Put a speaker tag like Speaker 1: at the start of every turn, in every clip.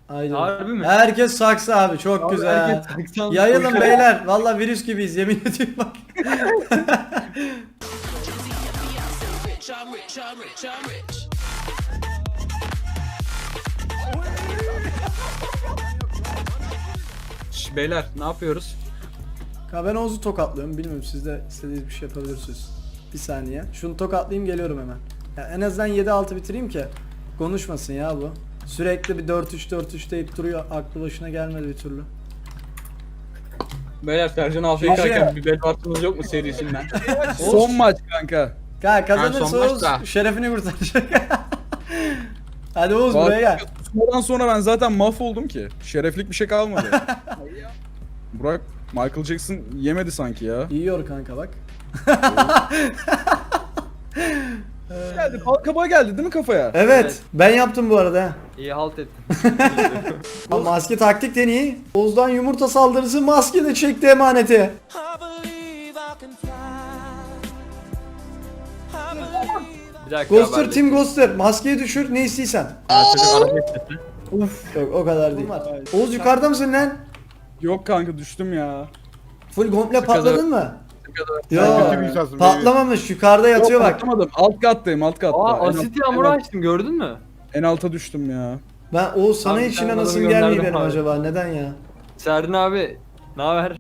Speaker 1: Aynen.
Speaker 2: Harbi mi?
Speaker 1: Herkes saksı abi, çok
Speaker 2: Abi
Speaker 1: güzel.
Speaker 2: herkes saksı almış.
Speaker 1: Yayılın beyler. Vallahi virüs gibiyiz, yemin ediyorum bak.
Speaker 3: Beyler ne yapıyoruz?
Speaker 1: Ben Oğuz'u tokatlıyorum. Bilmiyorum, siz de istediğiniz bir şey yapabilirsiniz. Bir saniye. Şunu tokatlayayım, geliyorum hemen. Ya en azından 7-6 bitireyim ki konuşmasın ya bu. Sürekli bir 4-3 deyip duruyor. Aklı başına gelmedi bir türlü.
Speaker 3: Beyler Sercan
Speaker 1: Şey-
Speaker 3: Afrika'yken bir bel partımız yok mu serisinden?
Speaker 4: Son maç kanka.
Speaker 1: Kazanırsa
Speaker 3: son
Speaker 1: Oğuz
Speaker 3: maçta.
Speaker 1: şerefini kurtaracak. Hadi Oğuz buraya gel.
Speaker 4: Sonradan sonra ben zaten mahvoldum ki. Şereflik bir şey kalmadı. Burak Michael Jackson yemedi sanki ya.
Speaker 1: Yiyor kanka bak.
Speaker 4: Geldi, kabağa geldi değil mi kafaya?
Speaker 1: Evet, ben yaptım bu arada.
Speaker 2: İyi halt ettin.
Speaker 1: Ama maske taktik deneyi. Oğuz'dan yumurta saldırısı, maske de çekti emaneti.
Speaker 2: Bir dakika.
Speaker 1: Ghoster, Team Ghoster. Maskeyi düşür, ne istiysen.
Speaker 3: Çocuk araba istedi.
Speaker 1: Uf, yok o kadar değil. Oğuz yukarıda mısın lan?
Speaker 4: Yok kanka düştüm ya.
Speaker 1: Full komple patladın mı?
Speaker 5: Sen
Speaker 1: Yo,
Speaker 5: kötü bir insansın.
Speaker 1: patlamamış, yukarıda yatıyor
Speaker 4: Yok,
Speaker 1: bak.
Speaker 4: patlamadım. Alt kattayım, alt katta.
Speaker 2: Aa
Speaker 4: En
Speaker 2: asit
Speaker 4: alt-
Speaker 2: yağmuru
Speaker 4: en alt-
Speaker 2: açtım, gördün mü?
Speaker 4: En alta düştüm ya.
Speaker 1: Ben Oğuz sana
Speaker 2: Abi,
Speaker 1: işine
Speaker 2: sen
Speaker 1: nasıl
Speaker 2: adamı
Speaker 1: gelmiyor
Speaker 2: gönderdim
Speaker 1: benim
Speaker 2: abi.
Speaker 1: acaba? Neden ya?
Speaker 2: Serdin abi. Ne haber?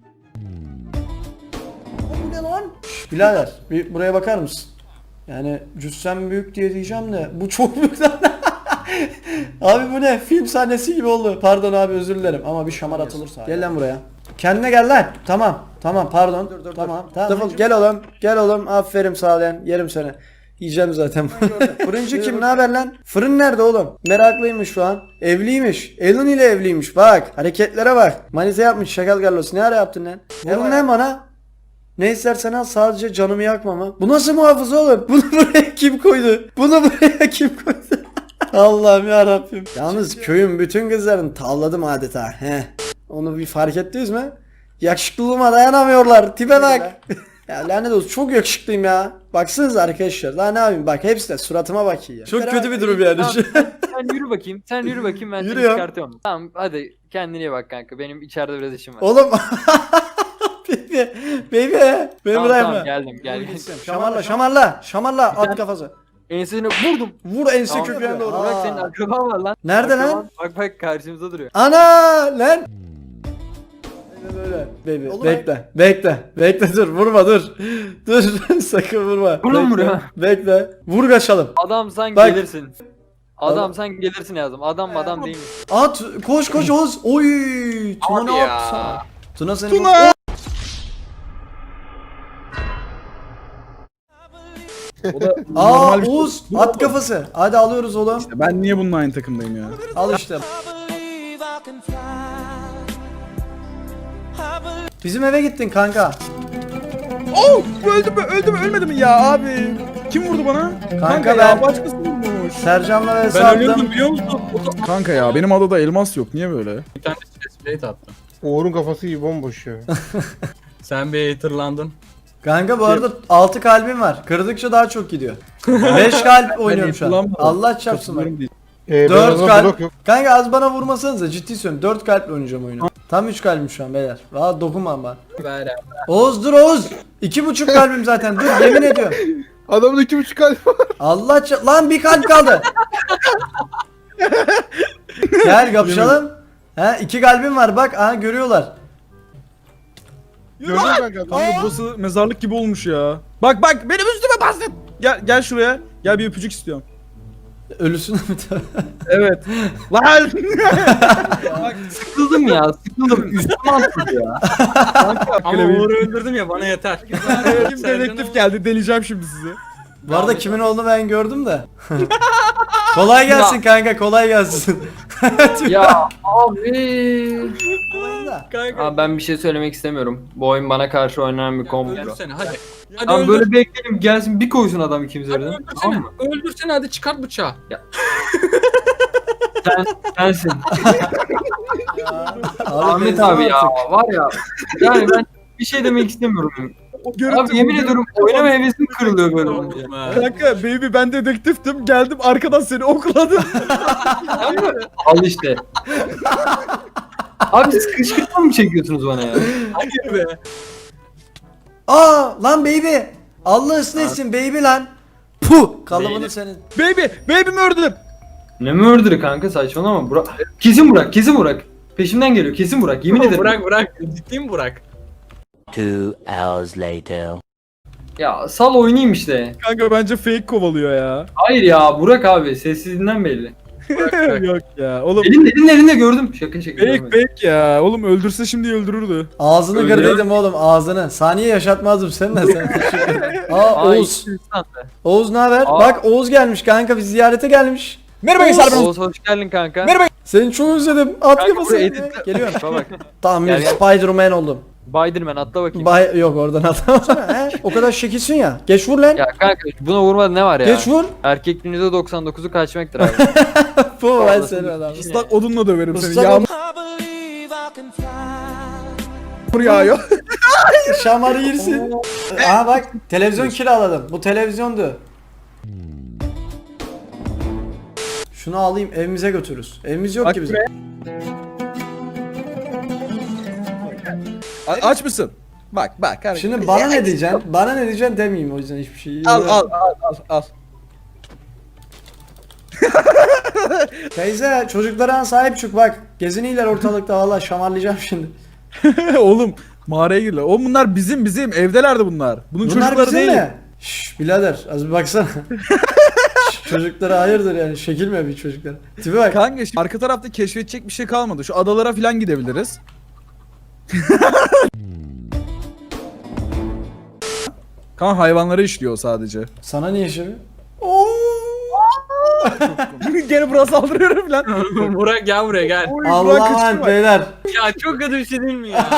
Speaker 1: Bu ne lan? Birader, bir buraya bakar mısın? Yani cüssem büyük diye diyeceğim de bu çok büyük lan. Abi bu ne? Film sahnesi gibi oldu. Pardon abi, özür dilerim ama bir şamar atılırsa. Gel lan buraya. Kendine gel lan. Tamam pardon. Tamam. Defol, gel oğlum. Gel oğlum. Aferin, sağ ol lan. Yerim seni. Yiyeceğim zaten. Fırıncı kim? Ne haber lan? Fırın nerede oğlum? Meraklıymış şu an. Evliymiş. Elin ile evliymiş. Bak. Hareketlere bak. Manita yapmış. Şakal Carlos. Ne ara yaptın lan? Vurun lan bana. Ne istersen al, sadece canımı yakma mı? Bu nasıl muhafız oğlum? Bunu buraya kim koydu? Bunu buraya kim koydu? Allah'ım ya Rabbim. Yalnız köyün bütün kızlarını tavladım adeta. He. Onu bir fark ettiniz mi? Yakışıklılığıma dayanamıyorlar. Tipe bak. Ya lanet olsun, çok yakışıklıyım ya. Baksanıza arkadaşlar. Daha ne yapayım? Bak hepsi de suratıma bakıyor ya. Çok kötü bir durum yani.
Speaker 2: Tamam, sen yürü bakayım. Sen yürü bakayım, ben seni
Speaker 1: Yürü ya.
Speaker 2: çıkartıyorum. Tamam hadi kendine iyi bak kanka. Benim içeride biraz işim var.
Speaker 1: Oğlum. Baby. Beni
Speaker 2: Tamam,
Speaker 1: bırakma.
Speaker 2: tamam, geldim gel.
Speaker 1: Şamarla at kafası.
Speaker 2: Ensesine vurdum.
Speaker 1: Vur ense
Speaker 2: Tamam,
Speaker 1: köküne doğru.
Speaker 2: Bırak, senin akraban var lan.
Speaker 1: Nerede
Speaker 2: Akraban,
Speaker 1: lan?
Speaker 2: Bak karşımızda duruyor.
Speaker 1: Ana lan. Böyle. Baby bekle dur, vurma dur. Dur sakın vurma.
Speaker 2: Vur lan
Speaker 1: Bekle,
Speaker 2: buraya.
Speaker 1: Bekle. Vur kaçalım.
Speaker 2: Adam sen
Speaker 1: Bak.
Speaker 2: gelirsin. Adam sen gelirsin yazdım. Adam değil mi?
Speaker 1: At koş Oğuz. Oy. Tuna
Speaker 3: Abi
Speaker 1: ne
Speaker 3: ya.
Speaker 1: yaptı sana? Tuna seni
Speaker 4: Tuna! O da
Speaker 1: Aa
Speaker 4: normal bir şey.
Speaker 1: Oğuz at kafası. Hadi alıyoruz oğlum.
Speaker 4: Ben niye bununla aynı takımdayım ya?
Speaker 1: Al işte. Bizim eve gittin kanka.
Speaker 4: Oh! Öldü mü ölmedi mi ya abi? Kim vurdu bana?
Speaker 1: Kanka
Speaker 4: ya
Speaker 1: ben-
Speaker 4: başkası vurmuş.
Speaker 1: Sercan'la ve
Speaker 3: Ben ölüyordum
Speaker 1: Sarp'tan.
Speaker 3: biliyor musun?
Speaker 4: Kanka ya benim adada elmas yok, niye böyle?
Speaker 3: Bir tane plate attım.
Speaker 5: Uğur'un kafası iyi bomboş ya.
Speaker 3: Sen bir haterlandın.
Speaker 1: Kanka bu arada 6 kalbim var. Kırdıkça daha çok gidiyor. 5 kalp oynuyorum şu an.
Speaker 4: kullanmadım.
Speaker 1: Allah çarpsın bak.
Speaker 4: Katılıyorum değil.
Speaker 1: 4
Speaker 5: blok
Speaker 1: kalp.
Speaker 5: yok.
Speaker 1: Kanka az bana vurmasanıza, ciddi söylüyorum. 4 kalple oynayacağım oyunu. Tam 3 kalbim şu an beyler. Valla dokunmam bana.
Speaker 3: Ver ya.
Speaker 1: Oğuz dur Oğuz. 2,5 kalbim zaten. Dur yemin ediyorum.
Speaker 5: Adamın 2,5 kalp var.
Speaker 1: Lan bir kalp kaldı. Gel kapışalım. He 2 kalbim var bak. Aha görüyorlar.
Speaker 5: Gördün mü kanka?
Speaker 4: Kanka burası mezarlık gibi olmuş ya. Bak benim üstüme bastın. Gel şuraya. Gel bir öpücük istiyorum.
Speaker 1: Ölüsün mü?
Speaker 4: Evet. Lan!
Speaker 2: Sıkıldım ya. Sıkıldım. Üstüme atladı ya.
Speaker 3: Ama Uğur'u öldürdüm ya, bana yeter.
Speaker 4: Kim dedektif geldi, deleyeceğim şimdi sizi.
Speaker 1: Bu arada kimin olduğunu ben gördüm de. Kolay gelsin kanka, kolay gelsin.
Speaker 2: Ya abi.
Speaker 3: Kanka.
Speaker 2: Abi ben bir şey söylemek istemiyorum. Bu oyun bana karşı oynanan bir komplo.
Speaker 3: Öldürsene hadi. Hadi
Speaker 2: Abi
Speaker 3: öldür.
Speaker 2: böyle bekleyelim, gelsin bir koysun adam ikimiz
Speaker 3: Hadi
Speaker 2: yerden.
Speaker 3: öldürsene.
Speaker 2: Tamam mı?
Speaker 3: Öldürsene hadi, çıkart bıçağı.
Speaker 2: Sensin.
Speaker 1: Ahmet
Speaker 2: Ahmet abi ya var ya. Yani ben bir şey demek istemiyorum.
Speaker 4: O görüntü.
Speaker 2: Abi yemin ediyorum oynama hevesim kırılıyor böyle olunca.
Speaker 4: Kanka baby ben dedektiftim. Geldim arkadan seni okladım.
Speaker 2: Al işte. Abi siz kışkırtma mı çekiyorsunuz bana ya?
Speaker 3: Hayır be.
Speaker 1: Aa lan baby. Allah ısınsın baby lan. Puh kalıbını
Speaker 2: Baby.
Speaker 1: senin.
Speaker 4: Baby mi ördüm?
Speaker 2: Ne murder kanka saçmalama. Kesin Burak, kesin Burak. Peşimden geliyor, kesin Burak. Yemin ederim.
Speaker 3: Bırak. Ciddi mi Burak?
Speaker 6: 2 hours later.
Speaker 2: Ya sal oynayayım işte.
Speaker 4: Kanka bence fake kovalıyor ya.
Speaker 2: Hayır ya Burak abi sessizliğinden belli.
Speaker 3: Bırak.
Speaker 4: Yok ya. Oğlum
Speaker 2: Elinde gördüm. Şaka görmedim.
Speaker 4: fake ya. Oğlum öldürse şimdi öldürürdü.
Speaker 1: Ağzını
Speaker 2: Öyle
Speaker 1: kırdıydım oğlum ağzını. Saniye yaşatmazdım seninle sen. Aa
Speaker 2: Ay,
Speaker 1: Oğuz.
Speaker 2: insan be.
Speaker 1: Oğuz ne haber?
Speaker 2: Aa.
Speaker 1: Bak Oğuz gelmiş kanka biz ziyarete gelmiş.
Speaker 4: Merhaba
Speaker 1: Oğuz.
Speaker 4: Gençler ben
Speaker 2: Oğuz hoş geldin kanka.
Speaker 4: Merhaba.
Speaker 1: Seni çok özledim. At
Speaker 2: Kanka
Speaker 1: kafasını.
Speaker 2: buraya edit-
Speaker 1: Geliyorum.
Speaker 2: Bak.
Speaker 1: Tamam
Speaker 2: Gel,
Speaker 1: bir
Speaker 2: gel.
Speaker 1: Spider-Man oldum.
Speaker 2: Spiderman atla bakayım.
Speaker 1: Yok oradan atamazsın. He? O kadar şekilsin ya. Geç vur lan.
Speaker 2: Ya kanka buna vurmadı ne var ya?
Speaker 1: Geç vur.
Speaker 2: Erkekliğin %99'u kaçmaktır abi.
Speaker 1: Bu ben
Speaker 2: Vallahi
Speaker 1: senin
Speaker 2: bir
Speaker 1: adamım.
Speaker 2: şey.
Speaker 4: Islak odunla döverim seni.
Speaker 1: Islak
Speaker 4: Yağmur yağıyor.
Speaker 1: Şamarı yersin. Aha bak televizyon kiraladım. Bu televizyondu. Şunu alayım evimize götürürüz. Evimiz yok
Speaker 4: Bak
Speaker 1: ki bizim.
Speaker 4: buraya. Aç mısın? Bak. Hani-
Speaker 1: Şimdi bana ne diyeceksin? Bana ne diyeceksin demeyeyim o yüzden hiçbir şey.
Speaker 4: Al.
Speaker 1: Teyze çocuklara sahip çık bak. Geziniler ortalıkta valla şamarlayacağım şimdi.
Speaker 4: Oğlum mağaraya girdiler. Oğlum bunlar bizim evdelerdi bunlar. Bunun
Speaker 1: Bunlar
Speaker 4: çocukları
Speaker 1: bizim
Speaker 4: değil.
Speaker 1: mi? Şşş birader az bir baksana. Şşş, çocuklara hayırdır yani şekilme bir çocuklara. Tipi bak.
Speaker 4: Kanka şimdi arka tarafta keşfedecek bir şey kalmadı. Şu adalara falan gidebiliriz. Kan hayvanları işliyor sadece.
Speaker 1: Sana niye şimdi? Oo.
Speaker 4: Gene buraya saldırıyorum lan.
Speaker 3: Burak gel buraya gel.
Speaker 4: Oy, Burak
Speaker 1: Allah'a
Speaker 4: kaçtı
Speaker 1: emanet
Speaker 4: bak.
Speaker 1: beyler.
Speaker 3: Ya çok kötü bir şey değil mi ya?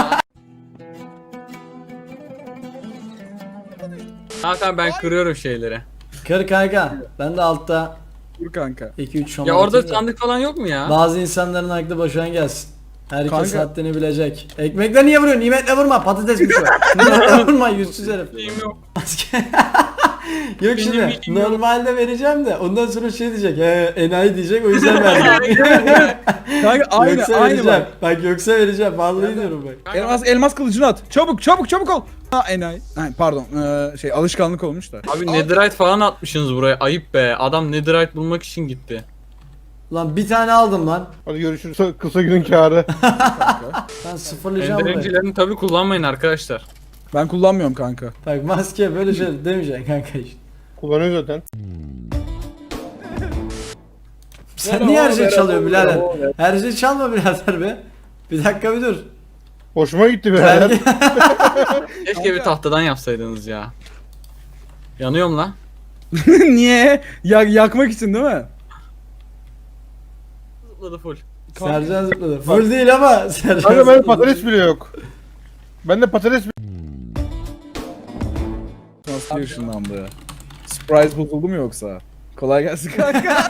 Speaker 3: Hakan ben kırıyorum şeyleri.
Speaker 1: Kır kanka. Ben de altta
Speaker 4: Dur kanka.
Speaker 1: 2-3 şamar
Speaker 3: Ya orada
Speaker 1: atayım da.
Speaker 3: sandık falan yok mu ya?
Speaker 1: Bazı insanların aklı başına gelsin. Herkes
Speaker 4: Kanka.
Speaker 1: haddini bilecek. Ekmekle niye vuruyorsun? Nimetle vurma. Patatesmiş o. Nimetle vurma yüzsüz herif.
Speaker 3: Şeyim yok.
Speaker 1: Yok
Speaker 3: Benim
Speaker 1: şimdi
Speaker 3: bilgim yok.
Speaker 1: normalde vereceğim de ondan sonra şey diyecek. Enayi diyecek o yüzden verdim.
Speaker 4: Kanka aynı
Speaker 1: yoksa
Speaker 4: aynı
Speaker 1: vereceğim.
Speaker 4: bak.
Speaker 1: Bak yoksa vereceğim. Vallahi diyorum bak.
Speaker 4: Elmas kılıcını at. Çabuk ol. Ha enayi. Ha, pardon. Alışkanlık olmuş da.
Speaker 3: Abi netherite falan atmışsınız buraya. Ayıp be. Adam netherite bulmak için gitti.
Speaker 1: Lan bir tane aldım lan.
Speaker 5: Hadi görüşürüz. Kısa günün kârı.
Speaker 1: Ben sıfırlayacağım burayı.
Speaker 3: Enderencilerini tabi kullanmayın arkadaşlar.
Speaker 4: Ben kullanmıyorum kanka.
Speaker 1: Bak maske böyle şey demeyeceksin kanka işte.
Speaker 5: Kullanıyor zaten.
Speaker 1: Sen niye her şeyi çalıyorsun birader? Her şeyi çalma birader be. Bir dakika bir dur.
Speaker 5: Hoşuma gitti birader.
Speaker 1: Belki...
Speaker 3: Keşke bir tahtadan yapsaydınız ya. Yanıyorum la.
Speaker 4: Niye? Yakmak için değil mi?
Speaker 3: Zıpladı full.
Speaker 1: Sercan zıpladı. Full değil ama Sercan
Speaker 5: Kanka bende
Speaker 1: zıpladı.
Speaker 5: patates bile yok. Bende patates
Speaker 4: Nasıl ışınlandı? Surprise bozuldu mu yoksa? Kolay gelsin kanka.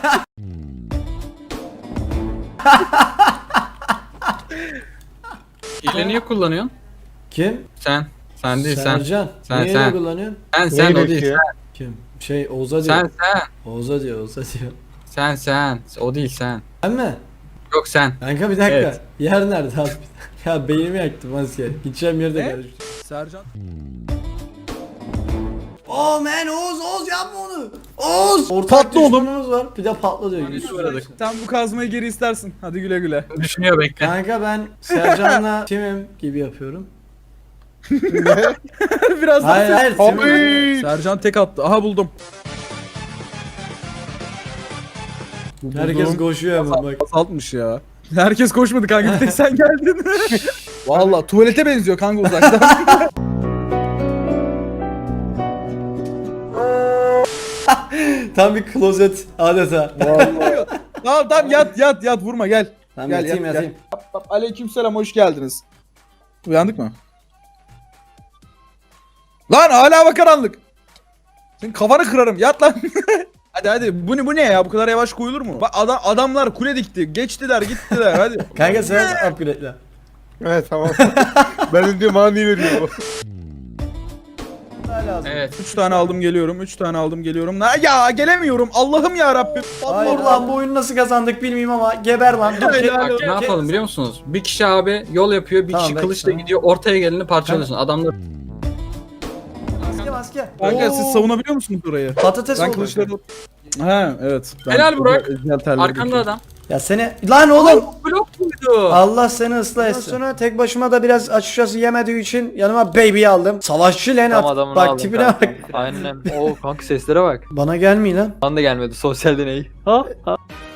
Speaker 3: Hile niye kullanıyorsun?
Speaker 1: Kim?
Speaker 3: Sen. Sen değil sen.
Speaker 1: Sercan.
Speaker 3: Sen,
Speaker 1: Niye
Speaker 3: sen.
Speaker 1: öyle kullanıyorsun?
Speaker 3: Sen o
Speaker 5: Neyle
Speaker 3: değil.
Speaker 5: ki?
Speaker 1: Kim? Şey Oğuz'a diyor.
Speaker 3: Sen.
Speaker 1: Oğuz'a diyor.
Speaker 3: Sen. O değil sen.
Speaker 1: Ben mi?
Speaker 3: Yok sen.
Speaker 1: Kanka bir dakika.
Speaker 3: Evet.
Speaker 1: Yer nerede abi? Ya beynimi yaktım maske. Gideceğim yerde
Speaker 4: Ne?
Speaker 1: karıştı.
Speaker 4: Sercan.
Speaker 1: Oh man Oğuz yapma onu. Oğuz! Ortak
Speaker 4: Patla oğlum.
Speaker 1: düşmanımız var. Bir de patla diyor. yüzsüz.
Speaker 4: Sen bu kazmayı geri istersin. Hadi güle güle.
Speaker 3: Düşünüyor bekle.
Speaker 1: Kanka ben Sercan'la timim gibi yapıyorum.
Speaker 4: Biraz daha.
Speaker 1: Hayır timim.
Speaker 5: Abi.
Speaker 4: Sercan tek attı. Aha buldum.
Speaker 1: Herkes koşuyor hemen bak.
Speaker 4: Azaltmış ya. Herkes koşmadı kanka. Bir tek sen geldin. Valla tuvalete benziyor kanka uzaktan.
Speaker 1: Tam bir klozet adeta.
Speaker 4: Tamam yat vurma gel.
Speaker 1: Tamam
Speaker 4: Gel,
Speaker 1: yatayım
Speaker 4: yat,
Speaker 1: yatayım.
Speaker 4: Aleykümselam hoş geldiniz. Uyandık mı? Lan hala hava karanlık. Senin kafanı kırarım yat lan. hadi bu ne ya bu kadar yavaş koyulur mu? Bak adamlar kule dikti geçtiler gittiler hadi.
Speaker 1: Kanka sen upgrade'le.
Speaker 5: Evet tamam. Ben de diyorum bana niye veriyor bu?
Speaker 1: lazım.
Speaker 3: Evet.
Speaker 4: 3 tane aldım geliyorum. 3 tane aldım geliyorum. Ya gelemiyorum. Allah'ım ya Rabbim.
Speaker 1: Hayır lan bu oyunu nasıl kazandık bilmiyorum ama geber lan. Dur,
Speaker 3: Bak ne yapalım biliyor musunuz? Bir kişi abi yol yapıyor, bir
Speaker 1: Tamam,
Speaker 3: kişi
Speaker 1: bekle.
Speaker 3: kılıçla gidiyor, ortaya geleni parçalıyorsun. Adamlar
Speaker 1: Maske.
Speaker 4: Kanka
Speaker 1: Oo,
Speaker 4: siz savunabiliyor musunuz orayı?
Speaker 1: Patates
Speaker 4: Ben
Speaker 1: oldu.
Speaker 4: kılıçları... Ha evet. Ben
Speaker 3: Helal Burak.
Speaker 4: özel terler
Speaker 3: arkanda
Speaker 4: döküyorum.
Speaker 3: adam.
Speaker 1: Ya seni lan oğlum.
Speaker 3: Blok muydu?
Speaker 1: Allah seni ıslah etsin. Sonra tek başıma da biraz açıkçası yemediği için yanıma baby'yi aldım. Savaşçı Lenat.
Speaker 7: Tam adamını
Speaker 1: Bak
Speaker 7: aldım
Speaker 1: tipine
Speaker 7: kanka.
Speaker 1: bak.
Speaker 7: Aynen. Oo kanka seslere bak.
Speaker 1: Bana gelmiyor lan.
Speaker 7: Bana da gelmedi sosyal deney. Ha?